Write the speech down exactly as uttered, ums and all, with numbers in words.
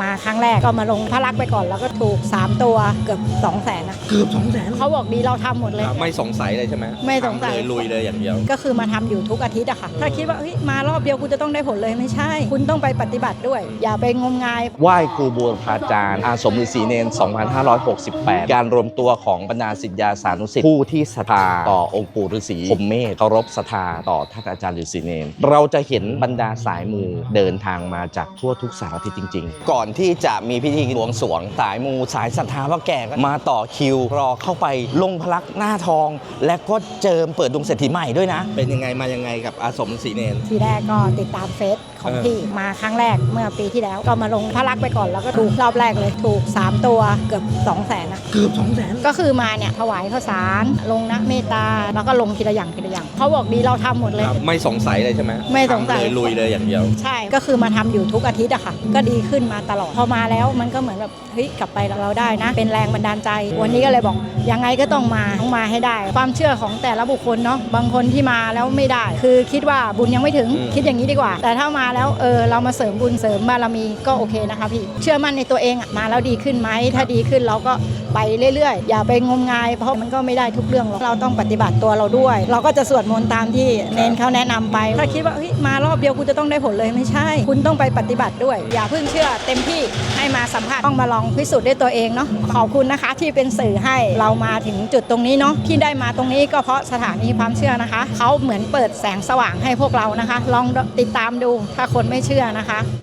มาครั้งแรกก็มาลงพระลักษณ์ไปก่อนแล้วก็ถูกสามตัวเกือบสองแสนนะเกือบสองแสนเขาบอกดีเราทำหมดเลยไม่สงสัยเลยใช่ไหมไม่สงสัยเลยลุยเลยอย่างเดียวก็คือมาทำอยู่ทุกอาทิตย์อะค่ะถ้าคิดว่าเฮ้ยมารอบเดียวคุณจะต้องได้ผลเลยไม่ใช่คุณต้องไปปฏิบัติด้วยอย่าไปงมงายไหว้ครูบูรพาจารย์อาสมฤาษีเนรสองพันห้าร้อยหกสิบแปดการรวมตัวของบรรดาศิษยาสานุศิษย์ผู้ที่ศรัทธาต่อองค์ปู่ฤาษีพรหมเมธเคารพศรัทธาต่อท่านอาจารย์ฤาษีเนรเราจะเห็นบรรดาสายมูเดินทางมาจากทั่วทุกสารทิศจริงๆก่อนที่จะมีพิธีบวงสรวงสายมูสายศรัทธาพ่อแก่ก็มาต่อคิวรอเข้าไปลงพลักหน้าทองและก็เจิมเปิดดวงเศรษฐีใหม่ด้วยนะเป็นยังไงมายังไงกับอาสมฤาษีเนรทีแรกก็ติดตามเฟซของพี่มาครั้งแรกเมื่อปีที่แล้วก็มาลงพระลักษณ์ไปก่อนแล้วก็ถูกรอบแรกเลยถูกสามตัวเกือบสองแสนนะเกือบสองแสนก็คือมาเนี่ยถวายข้าวสารลงนะเมตตาแล้วก็ลงทีละอย่างทีละอย่างเขาบอกดีเราทำหมดเลยไม่สงสัยเลยใช่ไหมไม่สงสัยเลยลุยเลยอย่างเดียวใช่ก็คือมาทำอยู่ทุกอาทิตย์อะค่ะก็ดีขึ้นมาตลอดพอมาแล้วมันก็เหมือนแบบเฮ้ยกลับไปเราได้นะเป็นแรงบันดาลใจวันนี้ก็เลยบอกยังไงก็ต้องมาต้องมาให้ได้ความเชื่อของแต่ละบุคคลเนาะบางคนที่มาแล้วไม่ได้คือคิดว่าบุญยังไม่ถึงคิดอย่างนี้ดีกว่าแต่ถ้ามาแล้วเออเรามาเสริมบุญเสริมบารมีก็โอเคนะคะพี่เชื่อมั่นในตัวเองอะมาแล้วดีขึ้นไหมถ้าดีขึ้นเราก็ไปเรื่อยๆอย่าไปงมงายเพราะมันก็ไม่ได้ทุกเรื่องหรอกเราต้องปฏิบัติตัวเราด้วยเราก็จะสวดมนต์ตามที่เนนเขาแนะนำไปถ้าคิดว่าเฮ้ยมารอบเดียวคุณจะต้องได้ผลเลยไม่ใช่คุณต้องไปปฏิบัติด้วยอย่าเพิ่งเชื่อเต็มที่ให้มาสัมผัสต้องมาลองพิสูจน์ด้วยตัวเองเนาะขอบคุณนะคะที่เป็นสื่อให้เรามาถึงจุดตรงนี้เนาะที่ได้มาตรงนี้ก็เพราะสถานีความเชื่อนะคะเขาเหมือนเปิดแสงสว่างให้พวกเรานะคะลองติดตามดูถ้าคนไม่เชื่อนะคะ